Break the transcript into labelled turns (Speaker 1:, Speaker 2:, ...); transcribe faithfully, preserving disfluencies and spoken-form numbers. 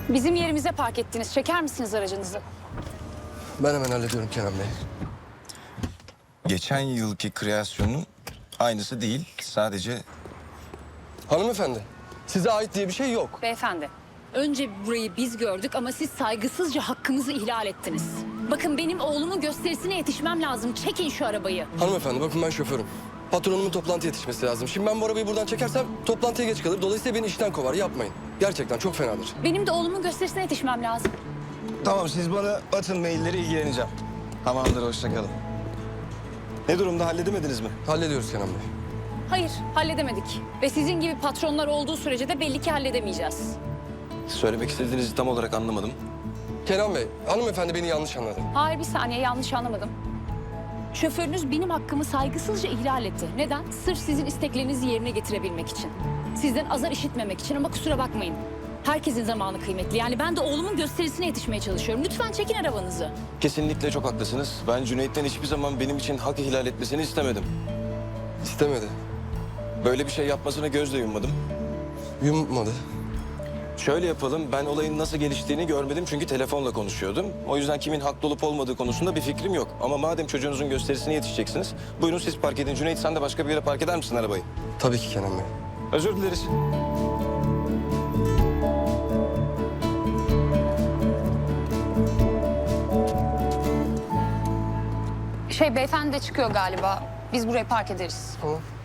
Speaker 1: Bizim yerimize park ettiniz. Çeker misiniz aracınızı?
Speaker 2: Ben hemen hallediyorum Kenan Bey.
Speaker 3: Geçen yılki kreasyonun aynısı değil. Sadece
Speaker 2: Hanımefendi, size ait diye bir şey yok.
Speaker 1: Beyefendi, önce burayı biz gördük ama siz saygısızca hakkımızı ihlal ettiniz. Bakın benim oğlumun gösterisine yetişmem lazım. Çekin şu arabayı.
Speaker 2: Hanımefendi bakın ben şoförüm. Patronumun toplantıya yetişmesi lazım. Şimdi ben bu arabayı buradan çekersem toplantıya geç kalır. Dolayısıyla beni işten kovar. Yapmayın. Gerçekten çok fenadır.
Speaker 1: Benim de oğlumun gösterisine yetişmem lazım.
Speaker 3: tamam, siz bana atın mailleri, ilgileneceğim. Tamamdır, hoşça kalın. Ne durumda, halledemediniz mi?
Speaker 2: Hallediyoruz Kenan Bey.
Speaker 1: Hayır, halledemedik. Ve sizin gibi patronlar olduğu sürece de belli ki halledemeyeceğiz.
Speaker 3: Söylemek istediğinizi tam olarak anlamadım.
Speaker 2: Kenan Bey, hanımefendi beni yanlış anladı.
Speaker 1: Hayır, bir saniye, yanlış anlamadım. Şoförünüz benim hakkımı saygısızca ihlal etti. Neden? Sırf sizin isteklerinizi yerine getirebilmek için. Sizden azar işitmemek için ama kusura bakmayın. Herkesin zamanı kıymetli. Yani ben de oğlumun gösterisine yetişmeye çalışıyorum. Lütfen çekin arabanızı.
Speaker 3: Kesinlikle çok haklısınız. Ben Cüneyt'ten hiçbir zaman benim için hak ihlal etmesini istemedim.
Speaker 2: İstemedi.
Speaker 3: Böyle bir şey yapmasına gözle yummadım.
Speaker 2: Yummadı.
Speaker 3: Şöyle yapalım, ben olayın nasıl geliştiğini görmedim çünkü telefonla konuşuyordum. O yüzden kimin haklı olup olmadığı konusunda bir fikrim yok. Ama madem çocuğunuzun gösterisine yetişeceksiniz, buyurun siz park edin. Cüneyt, sen de başka bir yere park eder misin arabayı?
Speaker 2: Tabii ki Kenan Bey.
Speaker 3: Özür dileriz.
Speaker 1: Şey, beyefendi de çıkıyor galiba. Biz buraya park ederiz.
Speaker 2: Tamam.